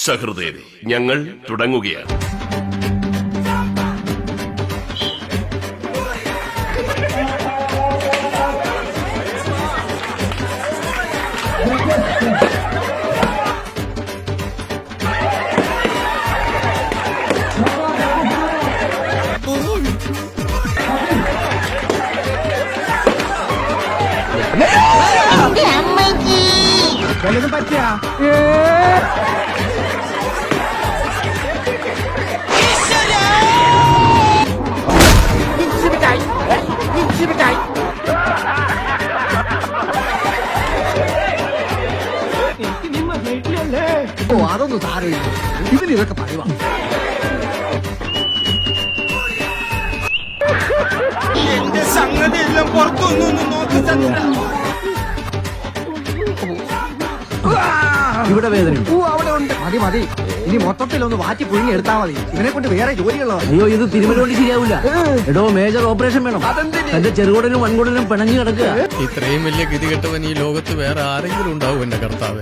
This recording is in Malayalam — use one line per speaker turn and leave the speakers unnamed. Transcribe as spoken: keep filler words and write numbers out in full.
സഹൃദയരെ, ഞങ്ങൾ തുടങ്ങുകയാണ്.
വല്ലതും പറ്റിയാ
ഓ അതൊന്നും സാരമില്ല, ഇതിന് ഇതൊക്കെ പറയുവാ.
എന്റെ സംഗതി എല്ലാം പുറത്തൊന്നും നോക്കി ചന്ദ്ര.
ഇവിടെ വേദന അവിടെ ഉണ്ട്. മതി മതി, ഇനി മൊത്തത്തിൽ ഒന്ന് വാറ്റി പുഴുങ്ങി എടുത്താ മതി. ഇവനെ കൊണ്ട് വേറെ ജോലികളോ? അയ്യോ, ഇത് തിരുമലോണ്ട് ശരിയാവില്ല. എടോ, മേജർ ഓപ്പറേഷൻ വേണം. എന്റെ ചെറുകുടനും വൻകുടനും പിണഞ്ഞു കിടക്കുക.
ഇത്രയും വലിയ ഗതികെട്ടവൻ ഈ ലോകത്ത് വേറെ ആരെങ്കിലും ഉണ്ടാവും എന്റെ കർത്താവ്?